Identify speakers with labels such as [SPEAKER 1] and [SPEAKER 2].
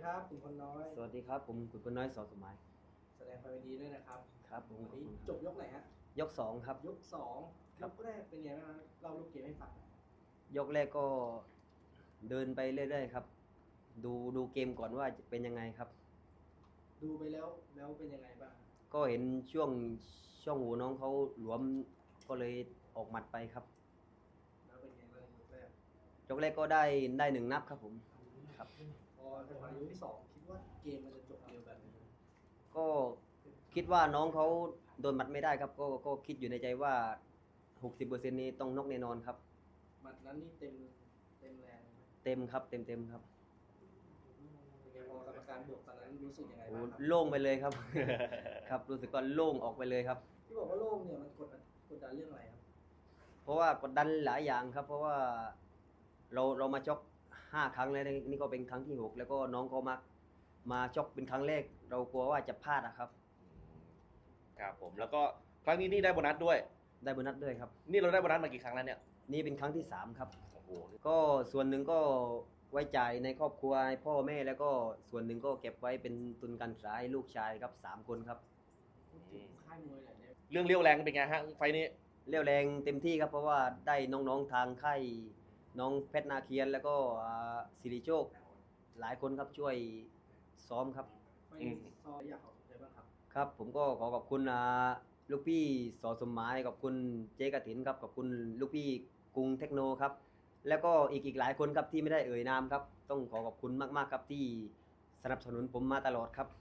[SPEAKER 1] ครับคุณพลน้อย
[SPEAKER 2] สวัสดีครับผมขุนพลน้อยสอสมัย
[SPEAKER 1] แสดงความยินดีด้วยนะครับ
[SPEAKER 2] ครับผม
[SPEAKER 1] วันนี้จบยกไหนฮะ
[SPEAKER 2] ยกสองครับ
[SPEAKER 1] ยกสอง
[SPEAKER 2] ครับ
[SPEAKER 1] ยกแรกเป็นไงบ้างครับเล่าลูกเกมให้ฟังหน่อย
[SPEAKER 2] ยกแรกก็เดินไปเรื่อยๆครับดูเกมก่อนว่าจะเป็นยังไงครับ
[SPEAKER 1] ดูไปแล้วเป็นยังไงบ้าง
[SPEAKER 2] ก็เห็นช่วงหูน้องเขาหลวมก็เลยออกหมัดไปครับ
[SPEAKER 1] แล้วเป็นไงบ้างยกแรก
[SPEAKER 2] ยกแรกก็ได้หนึ่งนับครับผมครับ
[SPEAKER 1] พอจังหวะยกที่สองคิดว่าเกมมันจะจบเร็วแบบนี้ไหม
[SPEAKER 2] ก็คิดว่าน้องเขาโดนหมัดไม่ได้ครับก็คิดอยู่ในใจว่า 60%นี้ต้องน็อกแน่นอนครับ
[SPEAKER 1] หมัดนั้นนี่เต็มแรงไหม
[SPEAKER 2] เต็มครับเต็มครับ
[SPEAKER 1] เป็นไงพอกรรมการบวกตอนนั้นรู้สึกยังไง
[SPEAKER 2] โอ้
[SPEAKER 1] บ้างครับ
[SPEAKER 2] โล่งไปเลยครับ ครับรู้สึกว่าโล่งออกไปเลยครับ
[SPEAKER 1] ที่บอกว่าโล่งเนี่ยมันกดดันเรื่องอะไรครับ
[SPEAKER 2] เพราะว่ากดดันหลายอย่างครับ เพราะว่าเรามาชก5 ครั้งแล้วนี่ก็เป็นครั้งที่6แล้วก็น้องก็มาชกเป็นครั้งแรกเรากลัวว่าจะพลาดอะครับ
[SPEAKER 3] ครับผมแล้วก็ครั้งนี้นี่ได้โบนัสด้วย
[SPEAKER 2] ได้โบนัสด้วยครับ
[SPEAKER 3] นี่เราได้โบนัสมากี่ครั้งแล้วเนี่ย
[SPEAKER 2] นี่เป็นครั้งที่3ครับ
[SPEAKER 3] โอ้โห
[SPEAKER 2] ก็ส่วนหนึ่งก็ไว้จ่ายในครอบครัวให้พ่อแม่แล้วก็ส่วนหนึ่งก็เก็บไว้เป็นทุนการศึกษาให้ลูกชายครับ3 คนครับ
[SPEAKER 1] พูดถึงค่ายมวยหน่อยเนี่ย
[SPEAKER 3] เรื่องเลี้ยวแรงเป็นไงฮะไฟล์นี้
[SPEAKER 2] เรี่ยวแรงเต็มที่ครับเพราะว่าได้น้องๆทางค่ายน้องเพชรนาเคียนแล้วก็สิริโชคหลายคนครับช่วยซ้อมครับ
[SPEAKER 1] ไม่ซออยากขอบคุณใครบ้างครับ
[SPEAKER 2] ครับผมก็ขอขอบคุณลูกพี่สอสมหมายขอบคุณเจ๊กฐินครับขอบคุณลูกพี่กรุงเทคโนครับแล้วก็อีกหลายคนครับที่ไม่ได้เอ่ยนามครับต้องขอขอบคุณมากๆครับที่สนับสนุนผมมาตลอดครับ